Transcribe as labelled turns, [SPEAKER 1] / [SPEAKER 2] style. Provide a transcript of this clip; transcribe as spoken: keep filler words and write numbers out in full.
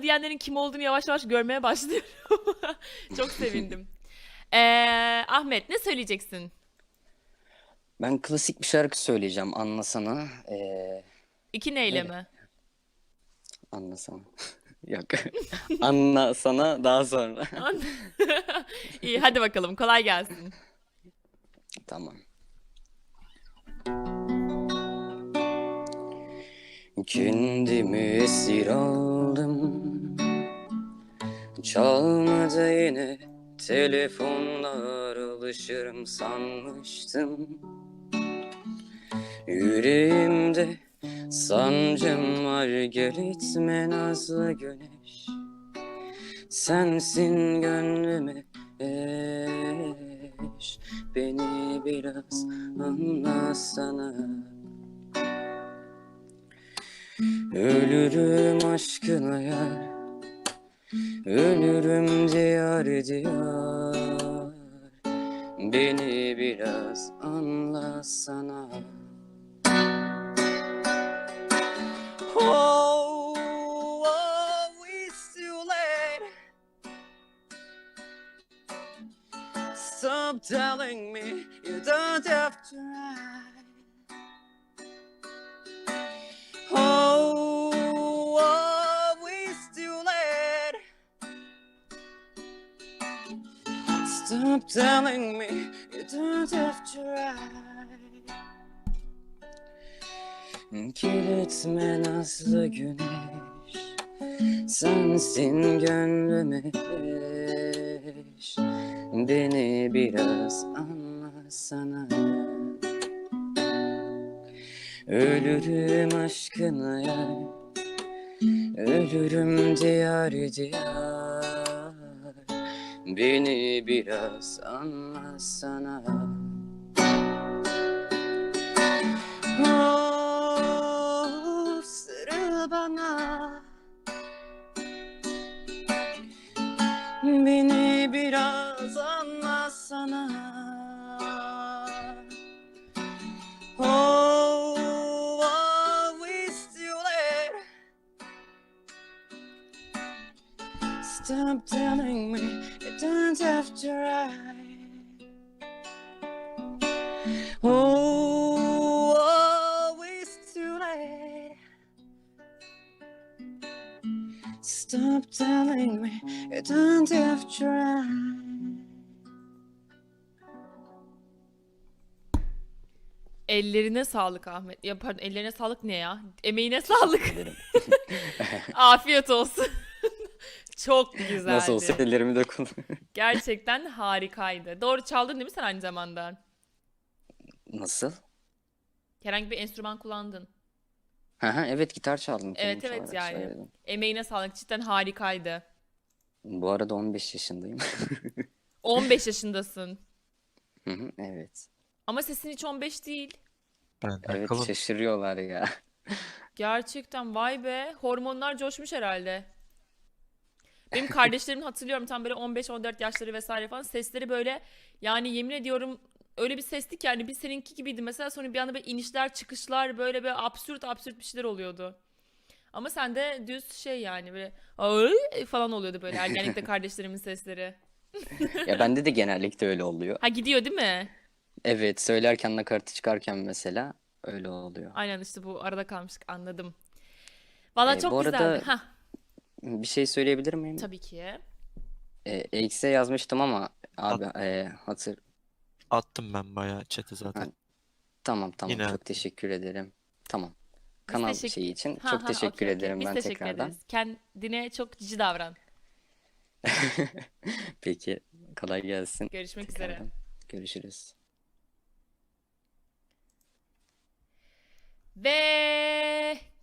[SPEAKER 1] bana diyenlerin kim olduğunu yavaş yavaş görmeye başlıyorum. Çok sevindim. Ee, Ahmet ne söyleyeceksin?
[SPEAKER 2] Ben klasik bir şarkı söyleyeceğim. Anlasana. Ee,
[SPEAKER 1] İki neyle
[SPEAKER 2] öyle.
[SPEAKER 1] mi?
[SPEAKER 2] Anlasana. Yok. Anlasana daha sonra.
[SPEAKER 1] An- İyi hadi bakalım kolay gelsin.
[SPEAKER 2] Tamam. Kendimi esir aldım. Çalmadı yine telefonlar, alışırım sanmıştım. Yüreğimde sancım var, gel etme nazlı güneş. Sensin gönlüme eş, beni biraz anlasana. Ölürüm aşkına yar, ölürüm diyar diyar, beni biraz anlasana. Oh, oh, it's too late. Stop telling me you don't have to ride. Oh, oh, it's too late. Stop telling me you don't have to ride. Kilitme nazlı güneş, sensin gönlüme eş, beni biraz anlasana. Ölürüm aşkına yar, ölürüm diyar diyar, beni biraz anlasana. Oh, sarıl bana, beni biraz anlasana. Oh, oh, it's too late. Stop telling me you don't have to ride. Oh, oh, it's too late. Stop telling me you don't have to ride.
[SPEAKER 1] Ellerine sağlık Ahmet. Ya pardon ellerine sağlık ne ya? Emeğine sağlık.
[SPEAKER 2] Teşekkür ederim.
[SPEAKER 1] Afiyet olsun. Çok
[SPEAKER 2] Nasıl olsa
[SPEAKER 1] güzeldi.
[SPEAKER 2] ellerimi de kullan.
[SPEAKER 1] Gerçekten harikaydı. Doğru çaldın değil mi sen aynı zamanda?
[SPEAKER 2] Nasıl?
[SPEAKER 1] Herhangi bir enstrüman kullandın.
[SPEAKER 2] Hı hı, evet, gitar çaldım, kendim
[SPEAKER 1] Evet evet
[SPEAKER 2] çalarak
[SPEAKER 1] yani.
[SPEAKER 2] söyledim.
[SPEAKER 1] Emeğine sağlık cidden harikaydı.
[SPEAKER 2] Bu arada on beş yaşındayım.
[SPEAKER 1] on beş yaşındasın.
[SPEAKER 2] Hı hı, evet.
[SPEAKER 1] Ama sesin hiç on beş değil.
[SPEAKER 3] Benden
[SPEAKER 2] Evet,
[SPEAKER 3] kalın.
[SPEAKER 2] şaşırıyorlar ya.
[SPEAKER 1] Gerçekten vay be. Hormonlar coşmuş herhalde. Benim kardeşlerimin hatırlıyorum tam böyle on beş on dört yaşları vesaire falan. Sesleri böyle yani yemin ediyorum öyle bir sesti ki yani bir seninki gibiydi mesela sonra bir anda böyle inişler çıkışlar böyle böyle absürt absürt bir şeyler oluyordu. Ama sende düz şey yani böyle "Ay" falan oluyordu böyle ergenlikte kardeşlerimin sesleri.
[SPEAKER 2] Ya bende de genellikle öyle oluyor.
[SPEAKER 1] Ha gidiyor değil mi?
[SPEAKER 2] Evet, söylerken nakaratı çıkarken mesela öyle oluyor.
[SPEAKER 1] Aynen işte bu arada kalmıştık anladım. Valla
[SPEAKER 2] E, bu
[SPEAKER 1] çok güzeldi.
[SPEAKER 2] arada
[SPEAKER 1] Ha
[SPEAKER 2] bir şey söyleyebilir miyim?
[SPEAKER 1] tabii ki.
[SPEAKER 2] E, X'e yazmıştım ama
[SPEAKER 3] At,
[SPEAKER 2] abi, e, hatır...
[SPEAKER 3] attım ben bayağı chat'e
[SPEAKER 2] Ha,
[SPEAKER 3] zaten.
[SPEAKER 2] tamam tamam,
[SPEAKER 3] Yine
[SPEAKER 2] çok teşekkür ederim. Tamam.
[SPEAKER 1] Biz
[SPEAKER 2] Kanal
[SPEAKER 1] teşekkür...
[SPEAKER 2] şeyi için
[SPEAKER 1] Ha
[SPEAKER 2] çok
[SPEAKER 1] ha
[SPEAKER 2] teşekkür
[SPEAKER 1] okey okey.
[SPEAKER 2] ederim
[SPEAKER 1] Biz
[SPEAKER 2] ben
[SPEAKER 1] teşekkür
[SPEAKER 2] tekrardan.
[SPEAKER 1] ederiz. Kendine çok cici davran.
[SPEAKER 2] Peki, kolay gelsin
[SPEAKER 1] Görüşmek üzere.
[SPEAKER 2] tekrardan. Görüşürüz.
[SPEAKER 1] Ve